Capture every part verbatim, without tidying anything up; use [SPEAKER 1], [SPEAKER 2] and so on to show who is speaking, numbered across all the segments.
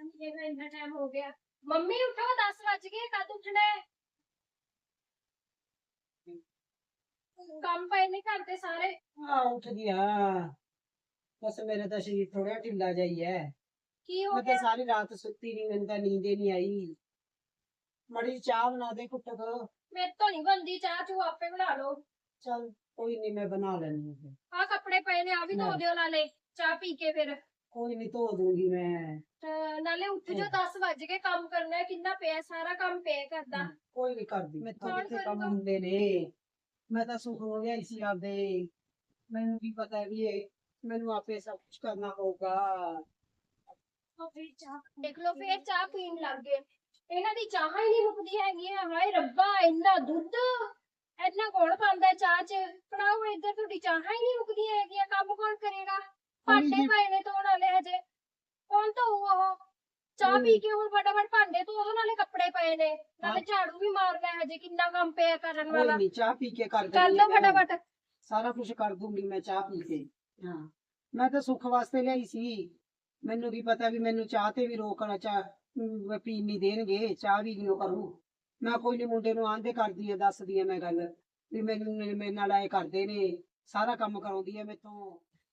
[SPEAKER 1] नहीं इतना टाइम हो गया। मम्मी उठो, दस बज गए, कद उठना है? काम पे नहीं करते सारे।
[SPEAKER 2] हाँ उठ गया। बस मेरा तो शरीर थोड़ा ढिला जा ही है।
[SPEAKER 1] की हो
[SPEAKER 2] मैं तो
[SPEAKER 1] गया?
[SPEAKER 2] सारी रात सुती नहीं, मैंने तो नींद ही नहीं आई। मड़ी चाह बना दे कुछ तो।
[SPEAKER 1] मेरे तो नहीं बनती चाह, तू आपे बना लो।
[SPEAKER 2] चल कोई नहीं, मैं बना लेनी हूँ।
[SPEAKER 1] आ कपड़े पे ने आ भी धो
[SPEAKER 2] ले।
[SPEAKER 1] दियो नाले, चाह पी के फिर।
[SPEAKER 2] कोई नहीं धो दूंगी मैं।
[SPEAKER 1] अ, नाले उठ जो, दस बज गए, काम करना है, कितना पे सारा काम पे करदा।
[SPEAKER 2] कोई नहीं कर दी मैं तो
[SPEAKER 1] कौन
[SPEAKER 2] कितने काम
[SPEAKER 1] करूगा?
[SPEAKER 2] होंगे ने। मैं तो सुख हो गया इसी आपदे। मैंने भी पता है भी है, मैंने आपे सब कुछ करना होगा।
[SPEAKER 1] देख लो फिर चाह पीन लग गए। ਇਹਨਾਂ ਦੀ ਚਾਹ ਹੀ ਨਹੀਂ ਮੁੱਕਦੀ ਹੈਗੀ ਹੈ। ਹਾਏ ਰੱਬਾ, ਇੰਨਾ ਦੁੱਧ, ਇੰਨਾ ਗੁੜ ਪਾਉਂਦਾ ਚਾਹ ਚ। ਬਣਾਓ ਇੱਧਰ, ਤੁਹਾਡੀ ਚਾਹ ਹੀ ਨਹੀਂ ਮੁੱਕਦੀਆਂ ਹੈਗੀਆਂ। ਕੰਮ ਕੌਣ ਕਰੇਗਾ? ਭਾਂਡੇ ਪਏ ਨੇ ਧੋਣ ਵਾਲੇ ਹਜੇ, ਕੌਣ ਧੋਊ ਉਹ? ਚਾਹ ਪੀ ਕੇ ਹੁਣ ਫਟਾਫਟ ਭਾਂਡੇ ਧੋ ਦੋ, ਨਾਲੇ ਕੱਪੜੇ ਪਏ ਨੇ, ਨਾਲੇ ਝਾੜੂ ਵੀ ਮਾਰਨਾ ਹੈ, ਹਜੇ ਕਿੰਨਾ ਕੰਮ ਪਿਆ ਕਰਨ
[SPEAKER 2] कोई
[SPEAKER 1] ਵਾਲਾ।
[SPEAKER 2] नहीं चाह पी के कर
[SPEAKER 1] ਕਰ
[SPEAKER 2] दूंगी
[SPEAKER 1] ਲਓ
[SPEAKER 2] मैं।
[SPEAKER 1] ਫਟਾਫਟ।
[SPEAKER 2] सारा कुछ कर दूंगी मैं चाह पी के। हाँ मैं तो सुख वास्ते लियाई सी। मैनू भी पता भी मैनू चाह ते भी रोकना, चाह पीन नहीं देणगे, चाह भी नहीं करूँ। मैं कोई नहीं, मुंडे नू आंदे करदी है, दसदी है मैं गल भी मैनू मेरे नाल आए करदे ने, सारा काम कराउंदी है मेथों।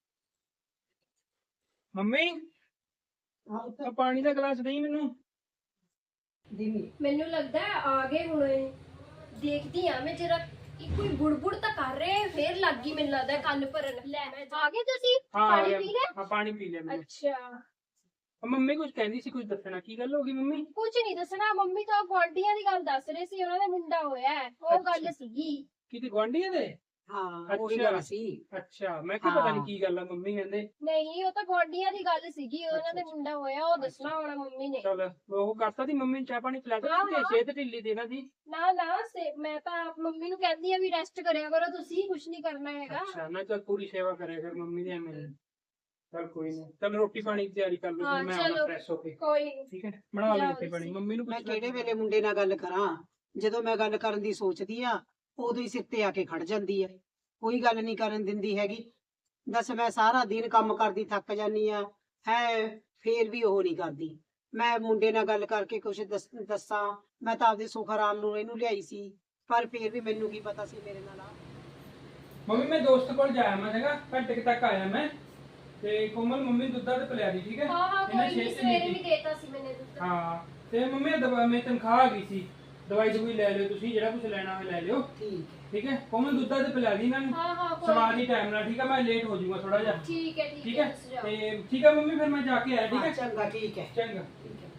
[SPEAKER 3] ਮੰਮੀ
[SPEAKER 2] हाँ उत्ते
[SPEAKER 3] ਆ ਪਾਣੀ ਦਾ ਗਲਾਸ ਦੇਈ ਮੈਨੂੰ।
[SPEAKER 2] दिनी
[SPEAKER 1] ਮੈਨੂੰ ਲੱਗਦਾ ਹੈ ਆ ਗਏ ਹੁਣ ਇਹ। ਦੇਖਦੀ ਆ ਮੈਂ ਜਰਾ, ਕੋਈ ਬੁੜਬੁੜ ਤਾਂ ਕਰ ਰਹੇ, ਫੇਰ ਲੱਗ ਗਈ ਮੈਨੂੰ ਲੱਗਦਾ ਕੰਨ ਭਰਨ। ਲੈ ਮੈਂ ਆ ਗਏ ਤੁਸੀਂ?
[SPEAKER 3] ਹਾਂ ਆ
[SPEAKER 1] ਪਾਣੀ
[SPEAKER 3] ਗਿਆ।
[SPEAKER 1] ਪੀ ਲਿਆ?
[SPEAKER 3] ਹਾਂ ਪਾਣੀ ਪੀ ਲਿਆ ਮੈਂ।
[SPEAKER 1] ਅੱਛਾ,
[SPEAKER 3] ਆ ਮੰਮੀ ਕੁਝ ਕਹਿੰਦੀ ਸੀ, ਕੁਝ ਦੱਸਣਾ, ਕੀ ਗੱਲ ਹੋ ਗਈ ਮੰਮੀ?
[SPEAKER 1] ਕੁਝ ਨਹੀਂ ਦੱਸਣਾ। ਮੰਮੀ ਤਾਂ ਗੁਆਂਢੀਆਂ ਦੀ ਗੱਲ ਦੱਸ ਰਹੇ ਸੀ, ਉਹਨਾਂ ਦਾ ਮੁੰਡਾ ਹੋਇਆ ਹੈ, ਉਹ ਗੱਲ ਸੀਗੀ।
[SPEAKER 3] ਕਿਤੇ ਗੁਆਂਢੀਆਂ ਦੇ?
[SPEAKER 2] हाँ वही
[SPEAKER 3] अच्छा।
[SPEAKER 2] गल सी।
[SPEAKER 3] ਅੱਛਾ ਮੈਂ ਕਿਹਾ ਪਤਾ ਨਹੀਂ
[SPEAKER 2] ਹਾਂ।
[SPEAKER 3] ਕੀ ਗੱਲ ਆ ਮੰਮੀ ਕਹਿੰਦੇ।
[SPEAKER 1] ਨਹੀਂ, ਉਹ ਤਾਂ ਗੁਆਂਢੀਆਂ ਦੀ ਗੱਲ ਸੀਗੀ, ਉਹਨਾਂ ਦੇ
[SPEAKER 3] ਅੱਛਾ,
[SPEAKER 1] ਮੁੰਡਾ ਹੋਇਆ, ਉਹ ਦੱਸਣਾ ਹੋਣਾ ਮੰਮੀ ਨੇ।
[SPEAKER 3] ਚਲ ਉਹ ਕਰਤਾ ਦੀ ਮੰਮੀ ਨੂੰ ਚਾਹ ਪਾਣੀ ਪਿਲਾ ਦਿੱਤਾ
[SPEAKER 1] ਹਾਂ,
[SPEAKER 3] ਕਿ
[SPEAKER 1] ਹਾਂ।
[SPEAKER 3] ਸਿਹਤ ਢਿੱਲੀ ਦੇਣਾ ਸੀ।
[SPEAKER 1] ਨਾ ਨਾ, ਸੇ ਮੈਂ ਤਾਂ ਮੰਮੀ ਨੂੰ ਕਹਿੰਦੀ ਆ ਵੀ ਰੈਸਟ ਕਰਿਆ ਕਰੋ, ਤੁਸੀਂ ਕੁਝ ਨਹੀਂ ਕਰਨਾ ਹੈਗਾ।
[SPEAKER 3] ਅੱਛਾ ਨਾ ਚੱਲ ਪੂਰੀ ਸੇਵਾ ਕਰਿਆ ਫਿਰ ਮੰਮੀ ਦੀ ਐਵੇਂ। ਚਲ ਕੋਈ ਨਹੀਂ, ਚਲ ਰੋਟੀ ਪਾਣੀ ਦੀ ਤਿਆਰੀ ਕਰ ਲਓ,
[SPEAKER 1] ਹਾਂ,
[SPEAKER 3] ਫਿਰ ਮੈਂ ਆਉਣਾ
[SPEAKER 1] ਚਲੋ।
[SPEAKER 3] ਫਰੈਸ਼ ਹੋ ਕੇ।
[SPEAKER 1] ਕੋਈ ਨੀ।
[SPEAKER 3] ਠੀਕ ਹੈ ਬਣਾ ਲਓ
[SPEAKER 1] ਜਾਓ
[SPEAKER 3] ਰੋਟੀ ਪਾਣੀ।
[SPEAKER 1] ਤੁਸੀਂ।
[SPEAKER 3] ਮੰਮੀ ਨੂੰ
[SPEAKER 2] मैं
[SPEAKER 3] ਪੁੱਛ ਲੈ
[SPEAKER 2] केड़े वेले मुंडे नाल गल करां, ਜਦੋਂ ਮੈਂ ਗੱਲ ਕਰਨ ਦੀ ਸੋਚਦੀ ਆ ਉਦੋਂ ਹੀ ਸਿਰ ਤੇ ਆ ਕੇ ਖੜ ਜਾਂਦੀ ਹੈ। ਕੋਈ ਗੱਲ ਨਹੀਂ ਕਰਨ ਦਿੰਦੀ ਹੈਗੀ। ਦੱਸ ਮੈਂ ਸਾਰਾ ਦਿਨ ਕੰਮ ਕਰਦੀ ਥੱਕ ਜਾਨੀ ਆ ਹੈ, ਫੇਰ ਵੀ ਉਹ ਨਹੀਂ ਕਰਦੀ। ਮੈਂ ਮੁੰਡੇ ਨਾਲ ਗੱਲ ਕਰਕੇ ਕੁਛ ਦੱਸ ਦੱਸਾਂ, ਮੈਂ ਤਾਂ ਆਪਦੇ ਸੁਖ ਆਰਾਮ ਨੂੰ ਇਹਨੂੰ ਲਿਆਈ ਸੀ, ਪਰ ਫੇਰ ਵੀ ਮੈਨੂੰ ਕੀ ਪਤਾ ਸੀ ਮੇਰੇ ਨਾਲ ਆ।
[SPEAKER 3] ਮੰਮੀ ਮੈਂ ਦੋਸਤ ਕੋਲ ਜਾਇਆ ਮੈਂ ਹੈਗਾ, ਘੰਟੇ ਕੁ ਤੱਕ ਆਇਆ ਮੈਂ। ਤੇ ਕੋਮਲ ਮੰਮੀ ਦੁੱਧ ਦਾ ਤੇ ਪਿਲਾ ਦੀ, ਠੀਕ ਹੈ?
[SPEAKER 1] ਹਾਂ ਹਾਂ,
[SPEAKER 3] ਇਹਨਾਂ
[SPEAKER 1] ਕੋਈ ਨਹੀਂ,
[SPEAKER 3] ਛੇਤੀ
[SPEAKER 1] ਸਵੇਰੇ
[SPEAKER 3] ਨੀਤੀ।
[SPEAKER 1] ਵੀ ਦੇਤਾ ਸੀ ਮੈਨੇ ਦੁੱਧ।
[SPEAKER 3] ਹਾਂ ਤੇ ਮੰਮੀ ਦਵਾ ਮੇਰੀ ਤਨਖਾਹ ਆ ਗਈ ਸੀ, ਦਵਾਈ ਦਵਾਈ ਲੈ ਲਿਓ ਤੁਸੀਂ, ਜਿਹੜਾ ਕੁਝ ਲੈਣਾ ਹੋਵੇ ਲੈ ਲਿਓ।
[SPEAKER 2] ਠੀਕ ਹੈ
[SPEAKER 3] ਠੀਕ ਹੈ ਕੋਮਲ ਦੁੱਧ ਦਾ ਤੇ ਪਿਲਾ ਦੀ ਇਹਨਾਂ ਨੂੰ।
[SPEAKER 1] ਹਾਂ ਹਾਂ, ਕੋਈ
[SPEAKER 3] ਸਵਾਦ
[SPEAKER 1] ਨੀ।
[SPEAKER 3] ਦੀ ਟਾਈਮ ਨਾਲ, ਠੀਕ ਹੈ? ਮੈਂ ਲੇਟ ਹੋ ਜਾਊਗਾ ਥੋੜਾ ਜਿਹਾ।
[SPEAKER 1] ਠੀਕ ਹੈ ਠੀਕ
[SPEAKER 3] ਠੀਕ
[SPEAKER 1] ਹੈ,
[SPEAKER 3] ਹੈ
[SPEAKER 1] ਤੁਸੀਂ ਜਾਓ।
[SPEAKER 3] ਤੇ ਠੀਕ ਹੈ ਮੰਮੀ, ਫਿਰ ਮੈਂ ਜਾ ਕੇ ਆਇਆ, ਠੀਕ
[SPEAKER 2] ਹਾਂ,
[SPEAKER 3] ਹੈ?
[SPEAKER 2] ਚੰਗਾ ਠੀਕ ਹੈ
[SPEAKER 3] ਚੰਗਾ।
[SPEAKER 2] ਠੀਕ ਹੈ।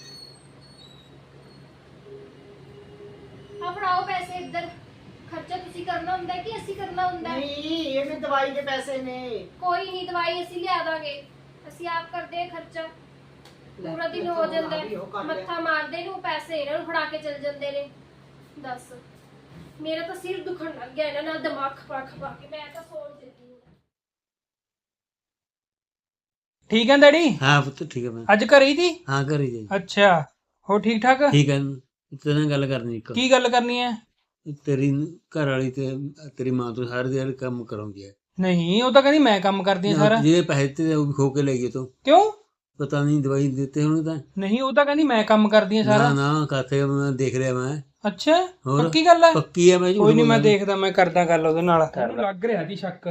[SPEAKER 1] ਆ ਫੜਾਓ ਪੈਸੇ ਇੱਧਰ। ਖਰਚਾ ਤੁਸੀਂ ਕਰਨਾ ਹੁੰਦਾ ਹੈ ਕਿ ਅਸੀਂ ਕਰਨਾ ਹੁੰਦਾ ਹੈ?
[SPEAKER 2] ਨਹੀਂ ਇਹ ਵੀ ਦਵਾਈ ਦੇ ਪੈਸੇ ਨੇ।
[SPEAKER 1] ਕੋਈ ਨਹੀਂ, ਦਵਾਈ ਅਸੀਂ ਲਿਆ ਦਾਂਗੇ, ਅਸੀਂ ਆਪ ਕਰਦੇ ਹਾਂ ਖਰਚਾ। ਪੂਰਾ ਦਿਨ ਹੋ ਜਾਂਦਾ ਹੈ, ਮੱਥਾ ਮਾਰਦੇ ਨੂੰ ਪੈਸੇ ਇਹਨਾਂ ਨੂੰ ਫੜਾ ਕੇ ਚਲ ਜਾਂਦੇ ਨੇ। ਦੱਸ, ਮੇਰਾ ਤਾਂ ਸਿਰ ਦੁਖਣ ਲੱਗ ਗਿਆ ਇਹਨਾਂ ਨਾਲ, ਦਿਮਾਗ ਖਪਾ ਖਪਾ ਕੇ। ਮੈਂ ਤਾਂ ਸੌਣ ਚੱਲੀ ਹਾਂ।
[SPEAKER 3] ਠੀਕ ਹੈ ਡੈਡੀ?
[SPEAKER 4] हाँ पुत्र ठीक है मैं
[SPEAKER 3] ਅੱਜ ਘਰੇ ਹੀ ਸੀ?
[SPEAKER 4] हाँ कर ही जाइए
[SPEAKER 3] ਅੱਛਾ ਹੋ ਠੀਕ ਠਾਕ?
[SPEAKER 4] ठीक है तेरे नाल गल करनी एक
[SPEAKER 3] ਕੀ ਗੱਲ ਕਰਨੀ ਹੈ?
[SPEAKER 4] तेरी घर वाली ते तेरी मां तो सारे दिन काम कराउंदी है
[SPEAKER 3] ਨਹੀਂ ਉਹ ਤਾਂ ਕਹਿੰਦੀ ਮੈਂ ਕੰਮ ਕਰਦੀ ਹਾਂ ਸਾਰਾ।
[SPEAKER 4] जे पैसे ते वो भी खो के ले गए तो
[SPEAKER 3] ਕਿਉਂ?
[SPEAKER 4] पता नहीं दवाई देते होने ता
[SPEAKER 3] ਨਹੀਂ ਉਹ ਤਾਂ ਕਹਿੰਦੀ ਮੈਂ ਕੰਮ ਕਰਦੀ ਹਾਂ
[SPEAKER 4] ना
[SPEAKER 3] ਸਾਰਾ।
[SPEAKER 4] ना कहते मैं देख रहा मैं
[SPEAKER 3] ਅੱਛਾ
[SPEAKER 4] ਹੋਰ?
[SPEAKER 3] ਪੱਕੀ ਗੱਲ ਹੈ?
[SPEAKER 4] पक्की है मैं झूठ
[SPEAKER 3] ਕੋਈ ਨਹੀਂ ਮੈਂ
[SPEAKER 4] बोल रहा
[SPEAKER 3] ਦੇਖਦਾ, ਮੈਂ ਕਰਦਾ ਗੱਲ ਉਹਦੇ ਨਾਲ। ਲੱਗ ਰਿਹਾ ਦੀ ਸ਼ੱਕ।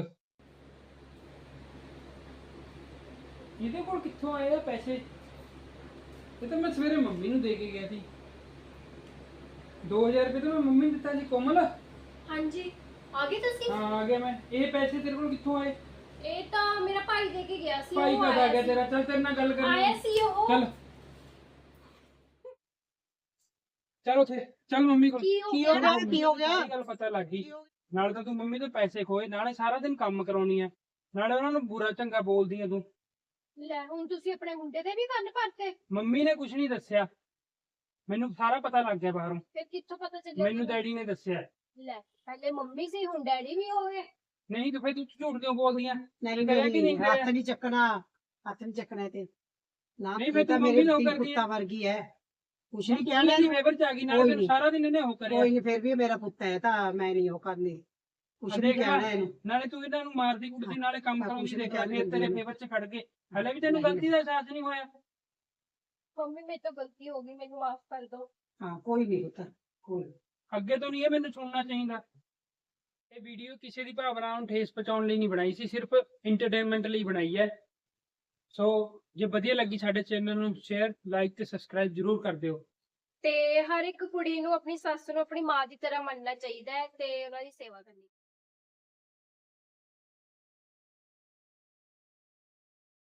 [SPEAKER 3] ਇਹਦੇ ਕੋਲ ਕਿੱਥੋਂ ਆਏ ਆ ਪੈਸੇ? ਇਹ ਤਾਂ ਮੈਂ ਸਵੇਰੇ ਮੰਮੀ ਨੂੰ ਦੇ ਕੇ ਗਿਆ ਸੀ। ਦੋ ਹਜ਼ਾਰ ਰੁਪਏ ਤਾਂ ਮੈਂ ਮੰਮੀ ਨੂੰ ਦਿੱਤਾ ਸੀ। ਕੋਮਲ
[SPEAKER 1] ਹਾਂਜੀ, ਆ ਗਏ ਤੁਸੀਂ?
[SPEAKER 3] ਹਾਂ ਆ ਗਿਆ ਮੈਂ। ਇਹ ਪੈਸੇ ਤੇਰੇ ਕੋਲ ਕਿੱਥੋਂ ਆਏ?
[SPEAKER 1] ਇਹ ਤਾਂ ਮੇਰਾ ਭਾਈ ਦੇ ਕੇ ਗਿਆ ਸੀ।
[SPEAKER 3] ਭਾਈ
[SPEAKER 1] ਉਹ
[SPEAKER 3] ਕਦ ਆ
[SPEAKER 1] ਆਇਆ
[SPEAKER 3] ਗਿਆ
[SPEAKER 1] ਸੀ।
[SPEAKER 3] ਤੇਰਾ? ਚੱਲ ਤੇਰੇ ਨਾਲ ਗੱਲ ਕਰਨੀ
[SPEAKER 1] ਆਇਆ
[SPEAKER 3] ਹੈ।
[SPEAKER 1] ਸੀ ਉਹ।
[SPEAKER 3] ਚੱਲ ਚੱਲ ਉੱਥੇ ਚੱਲ ਮੰਮੀ ਕੋਲ।
[SPEAKER 1] ਕੀ ਹੋ
[SPEAKER 2] ਕੀ
[SPEAKER 1] ਗਿਆ?
[SPEAKER 2] ਹੋ ਗਿਆ? ਕੀ ਹੋ ਗਿਆ?
[SPEAKER 3] ਸਾਰੀ ਗੱਲ ਪਤਾ ਲੱਗ ਗਈ। ਨਾਲੇ ਤਾਂ ਤੂੰ ਮੰਮੀ ਤੋਂ ਪੈਸੇ ਖੋਏ, ਨਾਲੇ ਸਾਰਾ ਦਿਨ ਕੰਮ ਕਰਾਉਣੀ ਆ, ਨਾਲੇ ਉਹਨਾਂ ਨੂੰ ਬੁਰਾ ਚੰਗਾ ਬੋਲਦੀ ਆ ਤੂੰ।
[SPEAKER 1] ਲੈ ਹੁਣ ਤੁਸੀਂ ਆਪਣੇ ਮੁੰਡੇ ਦੇ ਵੀ ਕੰਨ ਭਰਤੇ?
[SPEAKER 3] ਮੰਮੀ ਨੇ ਕੁਝ ਨਹੀਂ ਦੱਸਿਆ, ਮੈਨੂੰ ਸਾਰਾ ਪਤਾ ਲੱਗ ਗਿਆ ਬਾਹਰੋਂ।
[SPEAKER 1] ਫਿਰ ਕਿੱਥੋਂ ਪਤਾ ਚੱਲਿਆ?
[SPEAKER 3] ਮੈਨੂੰ ਡੈਡੀ ਨੇ ਦੱਸਿਆ।
[SPEAKER 1] ਲੈ, ਪਹਿਲੇ ਮੰਮੀ ਸੀ, ਹੁਣ ਡੈਡੀ ਵੀ ਹੋ ਗਏ।
[SPEAKER 3] ਨਹੀਂ ਤਾਂ ਫਿਰ ਤੂੰ ਝੂਠ ਕਿਉਂ ਬੋਲਦੀ ਆ?
[SPEAKER 2] ਨਹੀਂ
[SPEAKER 3] ਕਰਿਆ ਕਿ ਨਹੀਂ
[SPEAKER 2] ਨਹੀਂ ਹੱਥ
[SPEAKER 3] ਕਰਿਆ?
[SPEAKER 2] ਨਹੀਂ ਚੱਕਣਾ, ਹੱਥ ਨਹੀਂ ਚੱਕਣਾ ਤੇ ਨਾ।
[SPEAKER 3] ਨਹੀਂ, ਫਿਰ
[SPEAKER 2] ਇਹ ਤਾਂ
[SPEAKER 3] ਤੂੰ
[SPEAKER 2] ਮੇਰੇ
[SPEAKER 3] ਮੰਮੀ ਨੂੰ
[SPEAKER 2] ਧੀ
[SPEAKER 3] ਕਰਦੀ
[SPEAKER 2] ਪੁੱਤਾਂ ਵਰਗੀ ਹੈ, ਕੁਛ ਨਹੀਂ
[SPEAKER 3] ਕਹਿਣਾ
[SPEAKER 2] ਕਹਿਣਾ।
[SPEAKER 3] ਨਹੀਂ ਫੇਵਰ ਚ ਆ ਗਈ, ਨਾਲੇ
[SPEAKER 2] ਕੋਈ
[SPEAKER 3] ਫਿਰ
[SPEAKER 2] ਨੀ।
[SPEAKER 3] ਸਾਰਾ ਦਿਨ ਇਹਨੇ ਉਹ ਕਰਿਆ।
[SPEAKER 2] ਕੋਈ ਨਹੀਂ, ਫਿਰ ਵੀ ਇਹ ਮੇਰਾ ਪੁੱਤ ਹੈ ਤਾਂ ਮੈਂ ਨਹੀਂ ਉਹ ਕਰਨੀ, ਕੁਛ
[SPEAKER 3] ਆ
[SPEAKER 2] ਨਹੀਂ
[SPEAKER 3] ਦੇਖ
[SPEAKER 2] ਕਹਿਣਾ
[SPEAKER 3] ਲੈ,
[SPEAKER 2] ਇਹਨੂੰ।
[SPEAKER 3] ਨਾਲੇ ਤੂੰ ਇਹਨਾਂ ਨੂੰ ਮਾਰਦੀ ਕੁੱਟਦੀ, ਨਾਲੇ ਕੰਮ
[SPEAKER 2] ਹਾਂ,
[SPEAKER 3] ਕਰਾਉਂਦੀ,
[SPEAKER 2] ਕੁਛ ਨੀ
[SPEAKER 3] ਦੇਖ ਲੈ,
[SPEAKER 2] ਕਹਿਣ
[SPEAKER 3] ਫਿਰ ਤੇਰੇ
[SPEAKER 2] ਦਿੰਦੀ
[SPEAKER 3] ਫੇਵਰ ਚ ਖੜ ਗਏ। ਹਲੇ ਵੀ ਤੈਨੂੰ
[SPEAKER 2] ਨਹੀਂ।
[SPEAKER 3] ਗਲਤੀ ਦਾ ਅਹਿਸਾਸ ਨਹੀਂ ਹੋਇਆ?
[SPEAKER 1] ਮੰਮੀ ਮੇਰੇ ਤੋਂ ਗਲਤੀ ਹੋ ਗਈ, ਮੈਨੂੰ ਮਾਫ ਕਰ ਦਿਓ।
[SPEAKER 2] ਹਾਂ ਕੋਈ ਨਹੀਂ ਪੁੱਤ, ਕੋਈ ਨੀ।
[SPEAKER 3] ਅੱਗੇ ਤੋਂ ਨਹੀਂ ਇਹ ਮੈਨੂੰ ਸੁਣਨਾ ਚਾਹੀਦਾ। ਇਹ ਵੀਡੀਓ ਕਿਸੇ ਦੀ ਭਾਵਨਾ ਨੂੰ ਠੇਸ ਪਹੁੰਚਾਉਣ ਲਈ ਨਹੀਂ ਬਣਾਈ ਸੀ, ਸਿਰਫ ਇੰਟਰਟੇਨਮੈਂਟ ਲਈ ਬਣਾਈ ਹੈ। ਸੋ ਜੇ ਵਧੀਆ ਲੱਗੀ ਸਾਡੇ ਚੈਨਲ ਨੂੰ ਸ਼ੇਅਰ, ਲਾਈਕ ਤੇ ਸਬਸਕ੍ਰਾਈਬ ਜ਼ਰੂਰ ਕਰ ਦਿਓ।
[SPEAKER 1] ਤੇ ਹਰ ਇੱਕ ਕੁੜੀ ਨੂੰ ਆਪਣੀ ਸੱਸ ਨੂੰ ਆਪਣੀ ਮਾਂ ਦੀ ਤਰ੍ਹਾਂ ਮੰਨਣਾ ਚਾਹੀਦਾ ਹੈ ਤੇ ਉਹਨਾਂ ਦੀ ਸੇਵਾ ਕਰਨੀ।